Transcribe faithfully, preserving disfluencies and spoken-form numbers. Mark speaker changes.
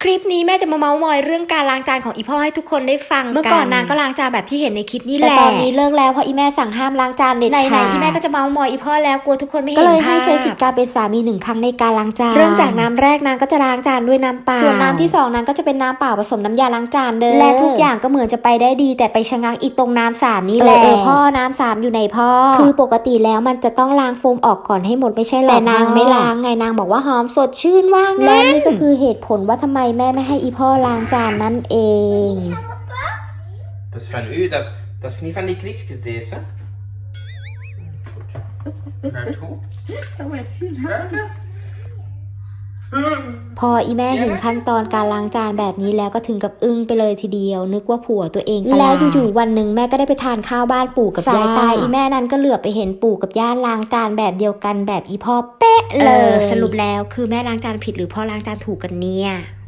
Speaker 1: คลิปนี้แม่จะมาเมาส์มอยเรื่องการล้างจานของอีพ่อให้ทุกคนได้ฟังเมื่อก่อนนางก็ล้างจานแบบที่เห็นในคลิปนี่แหละแต่ตอนนี้เลิกแล้วเพราะอีแม่สั่งห้ามล้างจานเด็ดขาดไหนๆอีแม่ก็จะเมาส์มอยอีพ่อแล้วกลัวทุกคนไม่เห็นภาพก็เลยให้ใช้สิทธิ์การเป็นสามีหนึ่งครั้งในการล้างจานเริ่มจากน้ำแรกนางก็จะล้างจานด้วยน้ำเปล่าส่วนน้ำที่สองนางก็จะเป็นน้ำเปล่าผสมน้ำยาล้างจานเด้อและทุกอย่างก็เหมือนจะไปได้ดีแต่ไปชะงักอีกตรงน้ำสามนี่แหละเออพ่อน้ำสามอยู่ในพ่อคือปกติแล้วมันจะต้องล้างโฟมออกก่อนให้หมดไม่ใช่หรอแต่นางไม่ล้างไงนางบอกว่าหอมสดชื่นว่างั้นและนี่ก็คือเหตุผลว่าทำไมแม่ไม่ให้อีพ่อล้างจานนั่นเอง
Speaker 2: Dat is van u, dat is, dat is niet van die kriekjes deze. Goed. Ruikt goed.
Speaker 3: Dat wordt heel
Speaker 2: Ruiken?
Speaker 1: พออีแม่เห็นขั้นตอนการล้างจานแบบนี้แล้วก็ถึงกับอึ้งไปเลยทีเดียวนึกว่าผัวตัวเองแล้วอยู่ๆวันหนึ่งแม่ก็ได้ไปทานข้าวบ้านปู่กับย่าสายตาอีแม่นั้นก็เหลือบไปเห็นปู่กับย่าล้างจานแบบเดียวกันแบบอีพ่อเป๊ะเลยสรุปแล้วคือแม่ล้างจานผิดหรือพ่อล้างจานถูกกันเนี่ย